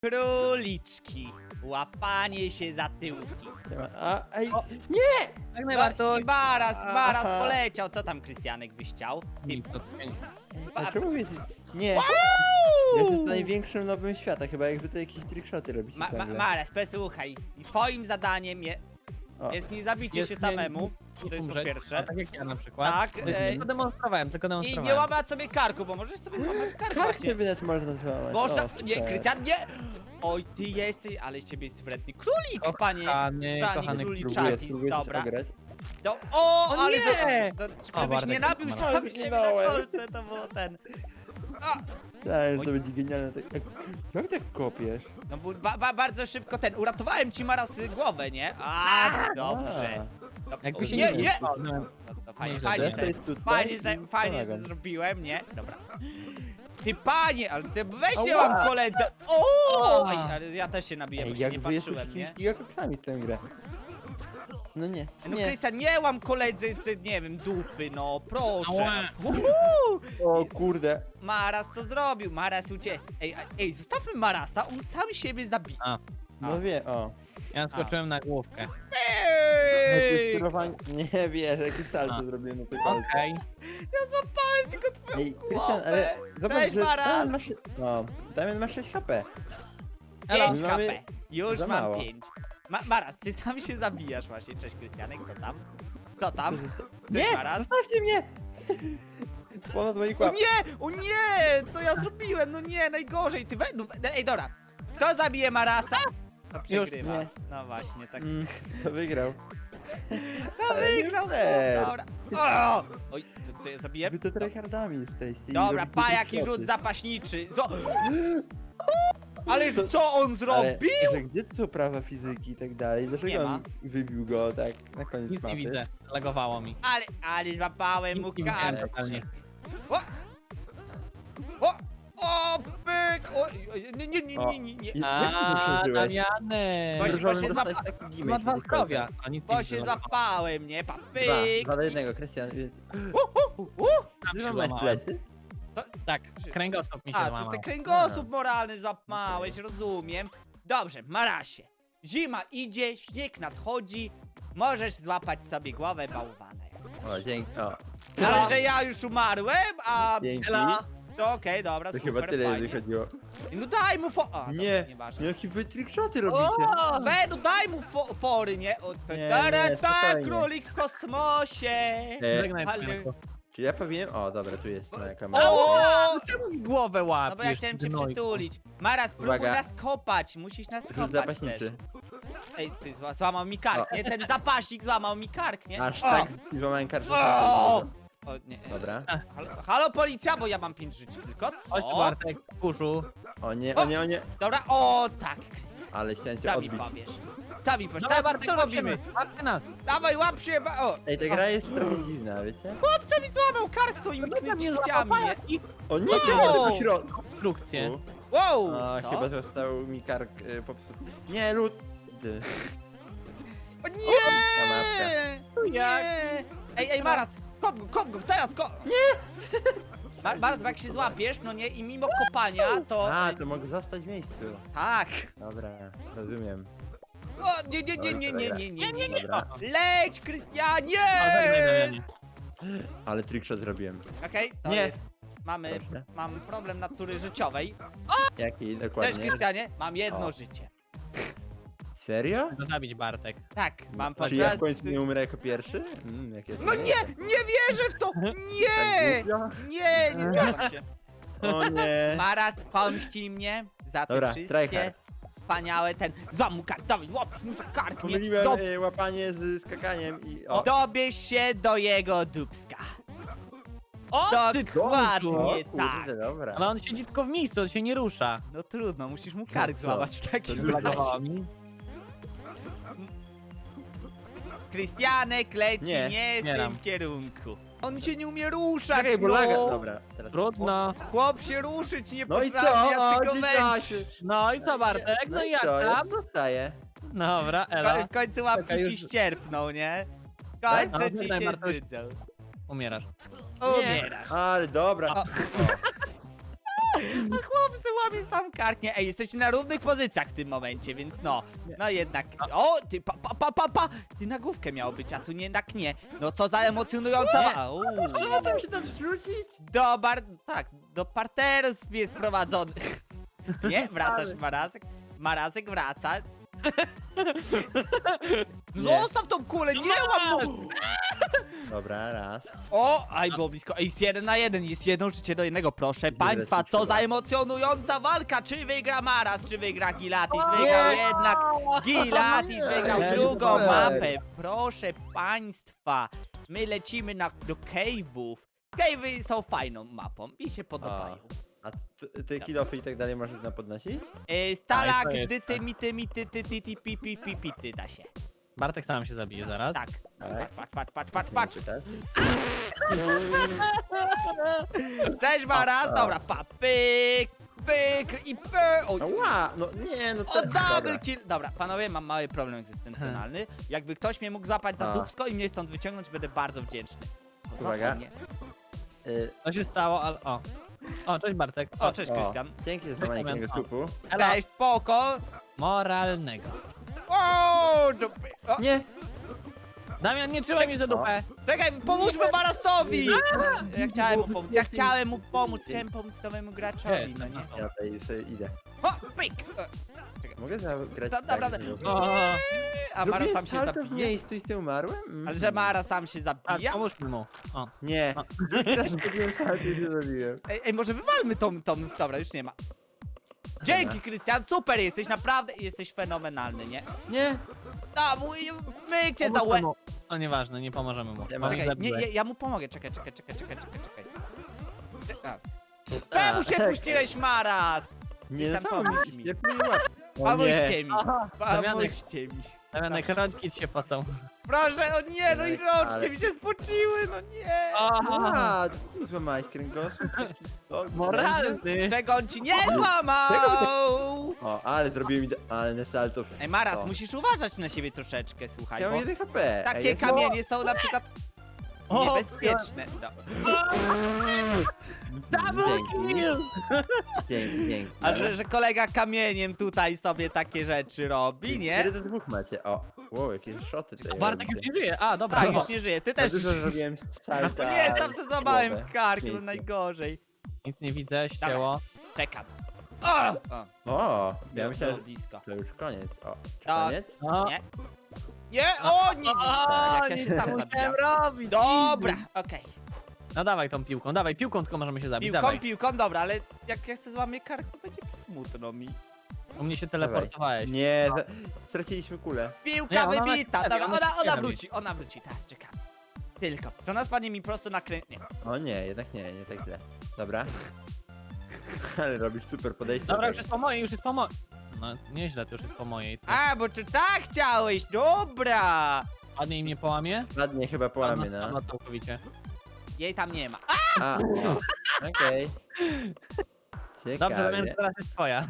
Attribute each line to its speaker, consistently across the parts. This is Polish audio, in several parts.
Speaker 1: Króliczki. Łapanie się za tyłki.
Speaker 2: Ej,
Speaker 3: Tak
Speaker 1: No
Speaker 3: najbardziej.
Speaker 1: i Maras
Speaker 2: Aha.
Speaker 1: poleciał. Co tam Krystianek byś chciał?
Speaker 3: Nic, to
Speaker 2: a czemu jesteś... Nie, ja jestem największym nowym świata, chyba jak wy to jakieś trickshoty robicie ciągle.
Speaker 1: Maras, posłuchaj. Twoim zadaniem
Speaker 2: O,
Speaker 1: jest nie zabicie
Speaker 3: Jest
Speaker 1: się
Speaker 3: nie-
Speaker 1: samemu. To jest po
Speaker 3: umrzeć.
Speaker 1: pierwsze.
Speaker 3: A tak jak ja na przykład.
Speaker 1: Tak,
Speaker 3: Tylko demonstrowałem,
Speaker 1: I nie łamać sobie karku, bo możesz sobie złamać kark
Speaker 2: Kartę
Speaker 1: właśnie.
Speaker 2: wynet można złamać.
Speaker 1: Można...
Speaker 2: O,
Speaker 1: Nie,
Speaker 2: super.
Speaker 1: Krystian, nie! Oj, ty jesteś, ale z ciebie jest wredny królik, panie.
Speaker 3: Kochany
Speaker 1: królik.
Speaker 2: Próbuję
Speaker 1: Czatis,
Speaker 2: coś
Speaker 1: dobra.
Speaker 2: ograć.
Speaker 1: No, o,
Speaker 3: O
Speaker 1: ale
Speaker 3: nie!
Speaker 1: żebyś
Speaker 3: Bartek,
Speaker 1: nie nabił
Speaker 3: tak,
Speaker 1: sam siebie na
Speaker 2: zginąłem.
Speaker 1: kolce, to było ten.
Speaker 2: Tak, że
Speaker 1: Oj.
Speaker 2: to będzie genialne. Jak tak kopiesz?
Speaker 1: No bo bardzo szybko uratowałem ci Maras głowę, nie? A, dobrze. No,
Speaker 3: Jakby się
Speaker 1: nie,
Speaker 3: nie...
Speaker 1: nie!
Speaker 3: O, no,
Speaker 1: No, to fajnie,
Speaker 3: Nieźle,
Speaker 1: fajnie,
Speaker 3: Desej
Speaker 1: fajnie,
Speaker 2: tutaj i
Speaker 1: fajnie
Speaker 2: pomagam.
Speaker 1: zrobiłem, nie? Dobra. Ty panie, ale ty weź się
Speaker 2: Ała.
Speaker 1: mam koledze. O!
Speaker 3: Ała.
Speaker 1: Ej, ale ja też się nabiję, bo
Speaker 2: Ej,
Speaker 1: się nie
Speaker 2: jak wy jesteście
Speaker 1: patrzyłem, nie?
Speaker 2: jakimiś gigakoksami w tę grę. No nie,
Speaker 1: No
Speaker 2: nie.
Speaker 1: Krystian, nie łam koledzy, nie wiem, dupy, no proszę.
Speaker 3: Ała.
Speaker 1: Uhu!
Speaker 2: O kurde.
Speaker 1: Maras co zrobił? Maras Ej, zostawmy Marasa, on sam siebie zabije.
Speaker 2: No wie, o.
Speaker 3: ja skoczyłem na główkę.
Speaker 1: Ej!
Speaker 2: Sterowanie... Nie wiesz, jakie salto
Speaker 3: A.
Speaker 2: zrobiłem na tej palce.
Speaker 3: Okej.
Speaker 1: Ja złapałem tylko twoją
Speaker 2: Ej, Krystian,
Speaker 1: głowę.
Speaker 2: ale zobacz,
Speaker 1: Cześć,
Speaker 2: że
Speaker 1: Maras.
Speaker 2: Damian ma się... No, Damian ma 6 HP.
Speaker 1: 5
Speaker 2: My mamy
Speaker 1: HP. Już
Speaker 2: za
Speaker 1: mam
Speaker 2: mało.
Speaker 1: 5. Maras, ty sam się zabijasz właśnie. Cześć Krystianek, co tam? Co tam? Cześć
Speaker 2: Nie,
Speaker 1: Maras.
Speaker 2: zostawcie mnie! Ponad moich
Speaker 1: O
Speaker 2: łap.
Speaker 1: nie! O nie! Co ja zrobiłem? No nie, najgorzej. Ty ej, dobra. Kto zabije Marasa? To przegrywa.
Speaker 2: nie.
Speaker 1: No właśnie, tak.
Speaker 2: To wygrał.
Speaker 1: No
Speaker 2: ale nie
Speaker 1: wygrał.
Speaker 2: fair.
Speaker 1: Dobra. O! Oj, to ja zabiję?
Speaker 2: Wy to tryhardami jesteście. i
Speaker 1: Dobra,
Speaker 2: robicie
Speaker 1: pa, jaki
Speaker 2: trickshoty.
Speaker 1: rzut zapaśniczy. Ależ co on
Speaker 2: Ale,
Speaker 1: zrobił?
Speaker 2: że gdzie tu są prawa fizyki i tak dalej?
Speaker 1: Nie
Speaker 2: Dlaczego
Speaker 1: ma.
Speaker 2: on wybił go tak na koniec
Speaker 3: Nic nie
Speaker 2: mapy?
Speaker 3: widzę. Lagowało mi.
Speaker 1: Ale złapałem mu
Speaker 3: Nic nie widziałem
Speaker 1: kark.
Speaker 3: totalnie.
Speaker 1: O! O, pyk! O, nie.
Speaker 2: Jak ty to
Speaker 3: A,
Speaker 2: przeżyłeś?
Speaker 3: Damiany!
Speaker 1: Właśnie-
Speaker 2: Możemy
Speaker 1: się
Speaker 2: dostać
Speaker 1: zapa-
Speaker 2: taki
Speaker 3: Ma
Speaker 2: damage
Speaker 3: dwa
Speaker 2: do
Speaker 3: zdrowia. A nic nie
Speaker 1: Bo
Speaker 3: widzę.
Speaker 1: się zapałem, nie? Pa,
Speaker 2: Dwa,
Speaker 1: pyk!
Speaker 2: 2 do 1, Krystian. Więc...
Speaker 3: Tam
Speaker 2: Ty
Speaker 3: się
Speaker 2: masz
Speaker 3: złamałem.
Speaker 2: plecy?
Speaker 3: Tak, kręgosłup mi się
Speaker 1: A, to
Speaker 3: złamał.
Speaker 1: jest ten kręgosłup moralny złapałeś, rozumiem. Dobrze, Marasie. Zima idzie, śnieg nadchodzi. Możesz złapać sobie głowę bałwana.
Speaker 2: O, dzięki. O,
Speaker 1: Ale że ja już umarłem, a...
Speaker 2: dzięki.
Speaker 3: Ela!
Speaker 1: To okej, dobra,
Speaker 2: To
Speaker 1: super,
Speaker 2: chyba tyle
Speaker 1: fajnie.
Speaker 2: wychodziło.
Speaker 1: No daj mu A,
Speaker 2: Nie,
Speaker 1: dobra, nieważne.
Speaker 2: jakie wy trickshoty robicie?
Speaker 3: O!
Speaker 1: No daj mu fory, nie? O, to,
Speaker 2: Nie,
Speaker 1: tak,
Speaker 2: spokojnie.
Speaker 1: królik w kosmosie.
Speaker 3: Żegnaj,
Speaker 1: Ale-
Speaker 3: Panienko.
Speaker 2: Czy ja powinienem... O, dobra, tu jest moja kamera.
Speaker 1: O!
Speaker 3: Czemu mi głowę łapiesz?
Speaker 1: No bo ja chciałem cię
Speaker 3: gnojku?
Speaker 1: przytulić. Mara, spróbuj
Speaker 2: Uwaga.
Speaker 1: nas kopać. Musisz nas
Speaker 2: Rzut
Speaker 1: kopać
Speaker 2: zapaśniczy.
Speaker 1: też. Ej, ty złamał mi kark, nie? Ten zapaśnik złamał mi kark, nie?
Speaker 2: Aż
Speaker 1: O!
Speaker 2: tak złamałem kartę.
Speaker 1: O! O, nie.
Speaker 2: Dobra.
Speaker 1: Halo, policja, bo ja mam 5 żyć tylko.
Speaker 3: Chodź tu, Bartek, kurzu.
Speaker 2: O nie, o nie, o nie.
Speaker 1: Dobra, o tak, Krystian.
Speaker 2: Ale chciałem cię
Speaker 1: Co mi
Speaker 2: odbić.
Speaker 1: powiesz? Co mi powiesz?
Speaker 3: Dawaj,
Speaker 1: Teraz
Speaker 3: Bartek,
Speaker 1: to robimy.
Speaker 3: Łapcie nas.
Speaker 1: Dawaj, łap się, o!
Speaker 2: Ej, ta gra jest trochę dziwna, wiecie?
Speaker 1: Chłopca mi złamał kark swoimi
Speaker 3: No to mnie
Speaker 1: kciami,
Speaker 3: złapał
Speaker 1: nie?
Speaker 3: i
Speaker 2: O nie,
Speaker 1: Wow!
Speaker 2: cię do środku.
Speaker 3: konstrukcję.
Speaker 1: Wow!
Speaker 2: A,
Speaker 1: Co?
Speaker 2: chyba został mi kark popsuty. Nie, lud.
Speaker 1: O
Speaker 2: mapka.
Speaker 1: nie!
Speaker 3: Jak?
Speaker 1: Nie! Ej, Maras! Kop go, teraz kop! Nie! Maras, bo jak się złapiesz, no nie, i mimo kopania, to...
Speaker 2: A, to mogę zostać w miejscu.
Speaker 1: Tak!
Speaker 2: Dobra, rozumiem.
Speaker 1: O, nie.
Speaker 2: Dobra.
Speaker 1: Leć,
Speaker 3: O, żegnaj,
Speaker 1: Krystianie!
Speaker 3: Damianie.
Speaker 2: Ale trickshot zrobiłem.
Speaker 1: Okej, to
Speaker 2: Nie.
Speaker 1: jest...
Speaker 2: Proszę.
Speaker 1: Mam problem natury życiowej.
Speaker 2: Jaki
Speaker 1: Cześć,
Speaker 2: dokładnie?
Speaker 1: Krystianie, mam jedno
Speaker 2: O.
Speaker 1: życie.
Speaker 2: Serio?
Speaker 3: Go zabić, Bartek.
Speaker 1: Tak, mam po
Speaker 2: Czy ja w
Speaker 1: prostu...
Speaker 2: końcu nie umrę jako pierwszy? Jakie
Speaker 1: No nie wierzę w to! Nie! Nie zgadzam się.
Speaker 2: O nie.
Speaker 1: Maras pomści mnie za te
Speaker 2: Dobra,
Speaker 1: wszystkie
Speaker 2: tryhard.
Speaker 1: wspaniałe złam mu kark, dawaj, łapisz mu za kark, nie?
Speaker 2: Pomyliłem łapanie z skakaniem i... O,
Speaker 1: Dobierz się do jego dupska.
Speaker 3: O, ty
Speaker 1: Dokładnie.
Speaker 3: kurzu.
Speaker 2: o
Speaker 1: nie
Speaker 2: kurde,
Speaker 1: tak.
Speaker 2: dobra.
Speaker 3: Ale on siedzi tylko w miejscu, on się nie rusza.
Speaker 1: No trudno, musisz mu kark
Speaker 2: co?
Speaker 1: złamać w takim
Speaker 2: To
Speaker 3: Lagowało
Speaker 1: razie.
Speaker 3: mi.
Speaker 1: Krystianek leci
Speaker 2: Nie,
Speaker 1: nie w
Speaker 3: nie
Speaker 1: tym
Speaker 3: dam.
Speaker 1: kierunku. On się nie umie ruszać,
Speaker 2: Czekaj, bo
Speaker 1: no.
Speaker 2: laga... Dobra, teraz...
Speaker 3: Trudno.
Speaker 1: Chłop się ruszyć nie
Speaker 2: No i
Speaker 1: potrafi,
Speaker 2: co?
Speaker 1: ja
Speaker 2: O,
Speaker 1: tylko
Speaker 2: dzieciaki.
Speaker 1: męczy.
Speaker 3: No i co, Bartek? No i jak
Speaker 2: co, ja
Speaker 3: tam?
Speaker 2: zostaję.
Speaker 3: Dobra, Ela.
Speaker 1: W końcu łapki
Speaker 3: Czekaj,
Speaker 1: ci
Speaker 3: już-
Speaker 1: ścierpną, nie? W
Speaker 2: Tak?
Speaker 1: końcu
Speaker 3: No,
Speaker 1: ci
Speaker 3: daj,
Speaker 1: się
Speaker 3: Bartoś.
Speaker 1: zdydzą.
Speaker 3: Umierasz.
Speaker 1: Umierasz.
Speaker 2: Ale dobra.
Speaker 1: O. A chłop se łamie sam kartnie. Ej, jesteście na równych pozycjach w tym momencie, więc no. No jednak. O, ty pa. Ty na główkę miało być, a tu jednak nie. No co za emocjonująca
Speaker 2: Co tam się tam zrzucić?
Speaker 1: do parteru jest prowadzony. Nie? Wracasz, Marazek? Marazek wraca. Zostaw tą kulę, nie łam mu!
Speaker 2: Dobra, raz.
Speaker 1: O, aj było blisko. Ej, jest 1 na 1, jest jedno życie do jednego, proszę państwa. Co za emocjonująca walka. Czy wygra Maras, czy wygra Gilatis? Wygrał jednak Gilatis, wygrał
Speaker 2: Nie,
Speaker 1: drugą
Speaker 2: super.
Speaker 1: mapę. Proszę państwa, my lecimy do cave'ów. Cave'y są fajną mapą, mi się podobają.
Speaker 2: A ty kilofy i tak dalej możesz nam podnosić?
Speaker 1: Stalak,
Speaker 3: to jest,
Speaker 1: dyty, mity, pity, da się.
Speaker 3: Bartek sam się zabije zaraz.
Speaker 1: Tak.
Speaker 2: Tak.
Speaker 1: Patrz.
Speaker 2: Pytasz?
Speaker 1: Cześć Maras, dobra, pyk i pyk. Oj.
Speaker 2: Ała, no nie, no
Speaker 1: O,
Speaker 2: to...
Speaker 1: double kill! Dobra, panowie, mam mały problem egzystencjonalny. Jakby ktoś mnie mógł złapać za
Speaker 2: A.
Speaker 1: dupsko i mnie stąd wyciągnąć, będę bardzo wdzięczny.
Speaker 2: Uwaga.
Speaker 1: Złapał mnie.
Speaker 3: Co się stało, ale o. O, cześć Bartek.
Speaker 1: O, cześć Krystian.
Speaker 2: Dzięki za złamanie
Speaker 3: Damian,
Speaker 2: tego
Speaker 3: o.
Speaker 2: skupu.
Speaker 3: Elo.
Speaker 1: Cześć, spoko.
Speaker 3: Moralnego.
Speaker 1: O, o,
Speaker 2: Nie!
Speaker 3: Damian, nie trzymaj mnie za dupę.
Speaker 1: czekaj, pomóżmy Marasowi! Ja chciałem mu pomóc, chciałem pomóc nowemu graczowi, no nie?
Speaker 2: Ja tutaj sobie idę.
Speaker 1: O, pyk!
Speaker 2: Mogę zagrać
Speaker 1: Dobra,
Speaker 2: tak, żeby-
Speaker 3: O,
Speaker 1: A Mara
Speaker 2: Zrobiłem
Speaker 1: sam się
Speaker 2: salto w
Speaker 1: zabija?
Speaker 2: miejscu i ty umarłem? Mhm.
Speaker 1: Ale że Mara sam się
Speaker 3: tak,
Speaker 1: zabija?
Speaker 3: pomóż mu. O.
Speaker 2: Nie. Teraz zrobiłem salto i się zabiłem.
Speaker 1: Ej, może wywalmy tą... Dobra, już nie ma. Dzięki, Krystian, super jesteś, naprawdę jesteś fenomenalny, nie?
Speaker 2: Nie!
Speaker 1: A, myk cię za
Speaker 3: Pomóż
Speaker 1: łeb.
Speaker 3: mu. O, nieważne, nie pomożemy mu.
Speaker 2: Nie
Speaker 3: Bo
Speaker 2: ma-
Speaker 3: mnie
Speaker 1: Czekaj, nie,
Speaker 3: zabiłeś.
Speaker 1: ja mu pomogę, czekaj. Czemu się puściłeś, Maras?
Speaker 2: Nie,
Speaker 1: Sam
Speaker 2: no samo
Speaker 1: pomóż
Speaker 2: mi
Speaker 1: mi.
Speaker 2: się nie łapie. O nie.
Speaker 1: Pomóżcie mi,
Speaker 3: Aha, Damianek,
Speaker 1: pomóżcie mi.
Speaker 3: Damianek, rączki ci się pocą.
Speaker 1: Proszę, o nie, no i
Speaker 2: Ale-
Speaker 1: rączki mi się spociły, no nie.
Speaker 3: O,
Speaker 2: A, tu złamałeś kręgosłup. O,
Speaker 3: moralny.
Speaker 1: Czego on ci nie złamał?
Speaker 2: O, ale zrobiłem idealne salto.
Speaker 1: Ej, Maras,
Speaker 2: O.
Speaker 1: musisz uważać na siebie troszeczkę, słuchaj,
Speaker 2: Ja
Speaker 1: bo
Speaker 2: mam 1 HP. Ej,
Speaker 1: takie
Speaker 2: jest-
Speaker 1: kamienie są na przykład
Speaker 3: O,
Speaker 1: niebezpieczne. No.
Speaker 3: Double
Speaker 2: Dzięki.
Speaker 3: kill.
Speaker 2: Dzięki.
Speaker 1: A że kolega kamieniem tutaj sobie takie rzeczy robi, nie?
Speaker 2: Kiedy do 2 macie? O, wow, jakieś szoty tutaj
Speaker 3: Bartek już
Speaker 2: robicie.
Speaker 3: nie żyje. A, dobra.
Speaker 1: Tak, już nie żyje, ty
Speaker 2: Ja
Speaker 1: też
Speaker 2: dużo
Speaker 1: już...
Speaker 2: zrobiłem salta.
Speaker 1: No nie, sam se złamałem
Speaker 2: głowę.
Speaker 1: kark, no
Speaker 2: Pięknie.
Speaker 1: najgorzej.
Speaker 3: Nic nie widzę, ścięło.
Speaker 1: Czekam. O!
Speaker 2: O, ja
Speaker 1: Było
Speaker 2: myślałem, że
Speaker 1: blisko.
Speaker 2: to już koniec. O, czy
Speaker 1: Tak.
Speaker 2: koniec?
Speaker 3: O,
Speaker 1: Nie? Nie, o nie!
Speaker 3: o,
Speaker 1: Jak ja
Speaker 3: nic
Speaker 1: się sam
Speaker 3: nie
Speaker 1: zabijam.
Speaker 3: musiałem robić.
Speaker 1: Dobra, okej.
Speaker 3: No dawaj tą piłką, dawaj, piłką tylko możemy się zabić, dawaj.
Speaker 1: Piłką, dobra, ale jak ja chcę złamię kark, to będzie smutno mi.
Speaker 3: U mnie się teleportowałeś.
Speaker 2: Nie, straciliśmy kulę.
Speaker 1: Piłka
Speaker 3: Nie, ona
Speaker 1: wybita,
Speaker 3: na-
Speaker 1: dobra,
Speaker 3: ona się
Speaker 1: ona
Speaker 3: robi.
Speaker 1: wróci, teraz czekamy. Tylko, że ona spadnie mi prosto na krę... Nie.
Speaker 2: O nie, jednak nie tak źle. Dobra. Ale robisz super podejście.
Speaker 3: Dobra, już jest po mojej, już jest po mojej. No, nieźle, to już jest po mojej. To
Speaker 1: A, bo ty tak chciałeś, dobra!
Speaker 3: ładnie im nie połamie?
Speaker 2: Ładnie chyba połamie, no.
Speaker 3: Spadła całkowicie.
Speaker 1: Jej tam nie ma.
Speaker 2: A, no. Okej.
Speaker 3: Dobrze, wiem,
Speaker 2: Ciekawie.
Speaker 3: że teraz jest twoja.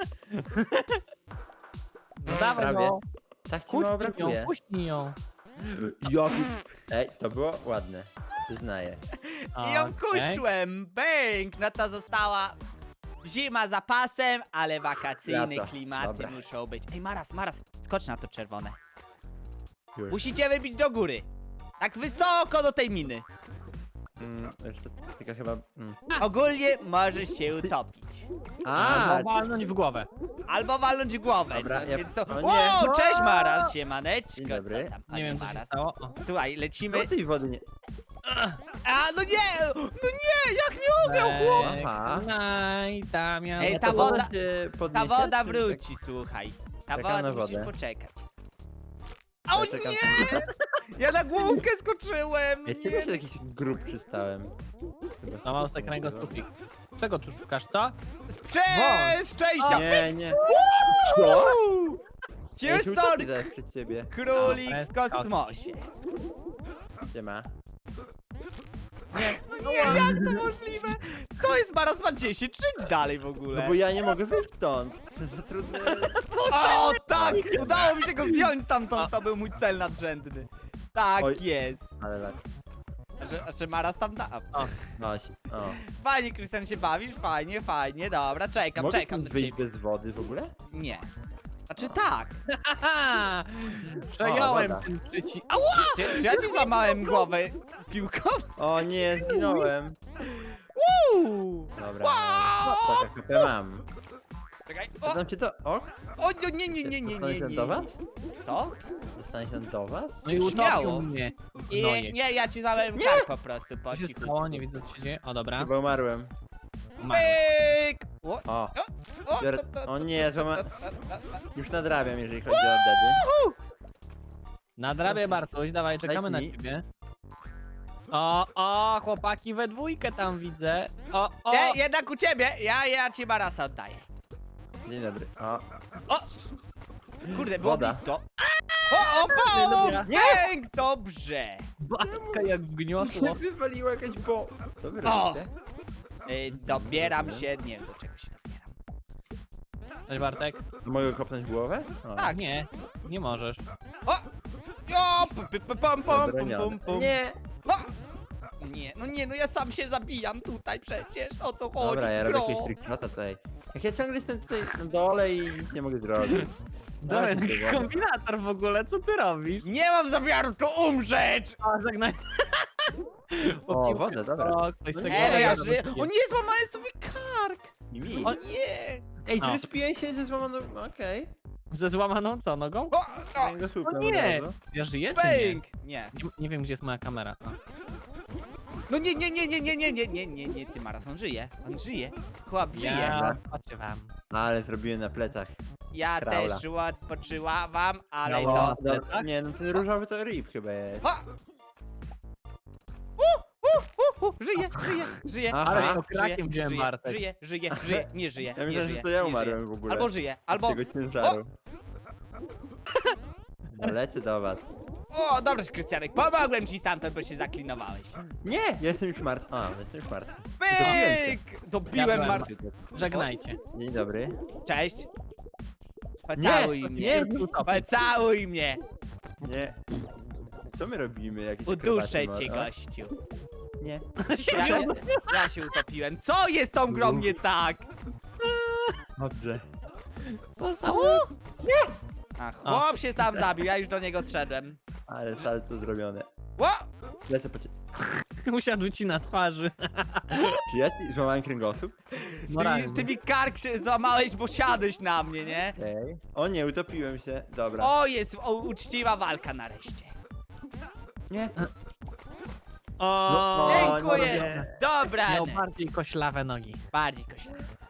Speaker 3: No dawaj,
Speaker 2: Prawie.
Speaker 3: no.
Speaker 2: Tak ci mało
Speaker 3: Puśnij ją,
Speaker 2: brakuje.
Speaker 3: puśnij ją.
Speaker 2: Jaki... Ej, to było ładne. Przyznaję.
Speaker 1: I ją
Speaker 3: Okej.
Speaker 1: kuszłem, bęk! No to została zima za pasem, ale wakacyjne
Speaker 2: Lato.
Speaker 1: klimaty
Speaker 2: Dobra.
Speaker 1: muszą być. Ej, Maras, skocz na to czerwone.
Speaker 2: Już.
Speaker 1: Musicie wybić do góry. Tak wysoko do tej miny.
Speaker 2: Jeszcze tylko chyba...
Speaker 1: Ogólnie możesz się utopić.
Speaker 3: Albo walnąć w głowę.
Speaker 1: Albo walnąć głowę.
Speaker 2: Dobra,
Speaker 1: no,
Speaker 2: ja-
Speaker 1: więc co?
Speaker 2: o nie.
Speaker 1: O, cześć Maras, siemaneczko.
Speaker 2: Dzień dobry.
Speaker 1: Co tam,
Speaker 3: Nie
Speaker 1: panie
Speaker 3: wiem, co się
Speaker 1: Maras?
Speaker 3: stało. O.
Speaker 1: Słuchaj, lecimy.
Speaker 2: No tej wody nie...
Speaker 1: A, no nie, jak nie umiał chłop.
Speaker 2: Aha.
Speaker 3: Naj, Damian.
Speaker 1: Ej,
Speaker 2: No
Speaker 1: ta
Speaker 2: to
Speaker 1: woda-
Speaker 2: się
Speaker 1: Ta
Speaker 2: podniesie,
Speaker 1: woda
Speaker 2: czy
Speaker 1: wróci, słuchaj. Ta
Speaker 2: Czekam
Speaker 1: woda,
Speaker 2: na
Speaker 1: musisz
Speaker 2: wodę.
Speaker 1: poczekać. O
Speaker 2: Ja czekam.
Speaker 1: nie! Ja na główkę skoczyłem,
Speaker 2: Ja
Speaker 1: nie.
Speaker 2: ciebie się jakiś grób przystałem. Chyba
Speaker 3: Złamał
Speaker 2: sobie
Speaker 3: se kręgosłupik. Czego tu szukasz, co?
Speaker 1: Przez szczęścia!
Speaker 2: Nie, nie.
Speaker 1: Uuu!
Speaker 2: Ja się
Speaker 1: Houston,
Speaker 2: utopię zaraz przed ciebie.
Speaker 1: królik w
Speaker 3: Dobra,
Speaker 1: kosmosie.
Speaker 2: Gdzie ma?
Speaker 1: No nie, jak to możliwe? Co jest Maras, ma 10? Idź dalej w
Speaker 2: No
Speaker 1: ogóle.
Speaker 2: bo ja nie mogę wyjść stąd. To trudne.
Speaker 1: O, tak! Udało mi się go zdjąć stamtąd, to był mój cel nadrzędny. Tak
Speaker 2: Oj.
Speaker 1: jest.
Speaker 2: Ale tak.
Speaker 1: Że Maras tam da.
Speaker 2: No, o.
Speaker 1: Fajnie, Krystian, się bawisz? Fajnie, fajnie, dobra, czekam,
Speaker 2: Mogę
Speaker 1: czekam.
Speaker 2: tam wyjść bez wody w ogóle?
Speaker 1: Nie. Znaczy tak.
Speaker 3: Haha! Przejąłem
Speaker 2: woda.
Speaker 3: ten przycisk. Ała!
Speaker 1: Czy ja ci złamałem głowę piłką?
Speaker 2: O nie, zginąłem.
Speaker 1: Uuu.
Speaker 2: Dobra.
Speaker 1: Wow!
Speaker 2: Tak, HP mam.
Speaker 1: Czekaj. O,
Speaker 2: Dam cię to. O!
Speaker 1: o nie, nie, nie, nie, nie,
Speaker 2: Dostanę
Speaker 1: nie,
Speaker 2: się
Speaker 1: nie.
Speaker 2: do was?
Speaker 1: Co?
Speaker 2: Dostanie się do was?
Speaker 3: No i
Speaker 1: Śmiało.
Speaker 3: utopił mnie.
Speaker 1: I,
Speaker 3: No
Speaker 1: nie, ja ci złamałem kark po prostu, po
Speaker 3: Co się
Speaker 1: cichu.
Speaker 3: stało? Nie widzę, co się dzieje. O, dobra.
Speaker 2: Chyba umarłem.
Speaker 3: Umarłem.
Speaker 1: Pyk! O,
Speaker 2: O!
Speaker 1: o,
Speaker 2: Biorę...
Speaker 1: to-
Speaker 2: O nie, złama...
Speaker 1: to- to-
Speaker 2: Już nadrabiam, jeżeli chodzi o deady.
Speaker 3: Nadrabię, Bartuś, dawaj, czekamy na
Speaker 2: mi.
Speaker 3: ciebie. O, chłopaki we dwójkę tam widzę. O,
Speaker 1: Nie, jednak u ciebie, ja ci Marasa oddaję.
Speaker 2: Dzień dobry. O!
Speaker 1: Kurde, było
Speaker 2: Woda.
Speaker 1: blisko. O, połom!
Speaker 3: Dobra.
Speaker 1: Nie! Dobrze.
Speaker 3: Bartka jak wgniotło.
Speaker 2: Wywaliła jakaś bo... Co wy
Speaker 1: O!
Speaker 2: robicie?
Speaker 1: Dobieram się, nie wiem do czego się dobieram.
Speaker 3: Cześć, Bartek.
Speaker 2: Mogę kopnąć głowę? O.
Speaker 1: Tak.
Speaker 3: Nie, nie możesz.
Speaker 1: O! O! Pum, pum,
Speaker 2: Zabronione.
Speaker 1: pum.
Speaker 2: Nie!
Speaker 1: O! Nie, no ja sam się zabijam tutaj przecież, o co chodzi,
Speaker 2: Dobra, ja robię
Speaker 1: bro?
Speaker 2: jakieś trickshota tutaj. Jak ja ciągle jestem tutaj na dole i nic nie mogę zrobić.
Speaker 3: Dobra,
Speaker 2: Dawaj,
Speaker 3: jakiś
Speaker 2: wodę.
Speaker 3: kombinator w ogóle, co ty robisz?
Speaker 1: Nie mam zamiaru tu umrzeć!
Speaker 3: A, żegnaj.
Speaker 2: O, wodę, dobra.
Speaker 3: O, ktoś z tego
Speaker 1: No ja
Speaker 3: wodę
Speaker 1: żyję.
Speaker 3: wypije.
Speaker 1: O nie, złamałem sobie kark!
Speaker 2: I mi.
Speaker 1: O nie!
Speaker 2: Ej,
Speaker 3: O.
Speaker 2: zrespiłem się ze złamaną... Okej.
Speaker 3: Ze złamaną co, nogą?
Speaker 1: O, o,
Speaker 2: Okay. Go
Speaker 3: O
Speaker 2: słupem
Speaker 3: nie!
Speaker 2: od razu.
Speaker 3: Ja żyję czy nie?
Speaker 1: bęk! Nie.
Speaker 3: Nie wiem, gdzie jest moja kamera. A.
Speaker 1: No nie, ty Maras, on żyje, chłop żyje.
Speaker 3: Ja patrzę wam.
Speaker 2: Ale zrobiłem na plecach.
Speaker 1: Ja
Speaker 2: Kraula.
Speaker 1: też odpoczyłam, ale
Speaker 3: Brawo.
Speaker 1: to...
Speaker 3: No,
Speaker 2: Dobra,
Speaker 3: tak?
Speaker 2: nie, no ten różowy to rip chyba jest.
Speaker 1: Ha! Żyje,
Speaker 2: Aha.
Speaker 3: Ale to krakiem wziąłem,
Speaker 1: żyje,
Speaker 3: Bartek.
Speaker 1: żyje, nie żyje,
Speaker 2: Ja
Speaker 1: nie
Speaker 2: myślałem,
Speaker 1: żyje,
Speaker 2: że to ja
Speaker 1: nie
Speaker 2: umarłem
Speaker 1: żyje.
Speaker 2: w ogóle.
Speaker 1: Albo żyje, albo...
Speaker 2: Tego ciężaru. No, lecę do was.
Speaker 1: O, dobrze, Krystianek, pomogłem ci stamtąd, bo się zaklinowałeś.
Speaker 2: Nie! Ja jestem już martwy. A, jestem już martwy.
Speaker 1: Pyk! Dobiłem
Speaker 3: byłem
Speaker 1: Mar...
Speaker 3: Żegnajcie.
Speaker 2: Dzień dobry.
Speaker 1: Cześć. Pocałuj
Speaker 2: Nie,
Speaker 1: mnie.
Speaker 2: nie,
Speaker 1: Pocałuj mnie.
Speaker 2: nie. Co my robimy? Jakieś
Speaker 1: Uduszę
Speaker 2: akrobaty
Speaker 1: cię,
Speaker 2: może?
Speaker 1: gościu.
Speaker 2: Nie.
Speaker 1: Ja się utopiłem. Co jest tą grą nie tak?
Speaker 2: Dobrze.
Speaker 1: Co? Ach, chłop się sam zabił, ja już do niego zszedłem.
Speaker 2: Ale salto zrobione.
Speaker 1: Ło!
Speaker 2: Lecę po ciebie.
Speaker 3: Usiadł ci na twarzy.
Speaker 2: Czy ja ci złamałem kręgosłup?
Speaker 1: Ty mi kark się złamałeś, bo siadłeś na mnie, nie?
Speaker 2: Ej. O nie, utopiłem się. Dobra.
Speaker 1: O, jest uczciwa walka nareszcie.
Speaker 2: Nie.
Speaker 3: O,
Speaker 2: No,
Speaker 1: Dziękuję.
Speaker 2: nie.
Speaker 1: Dobra.
Speaker 3: Miał bardziej koślawe nogi.
Speaker 1: Bardziej koślawe.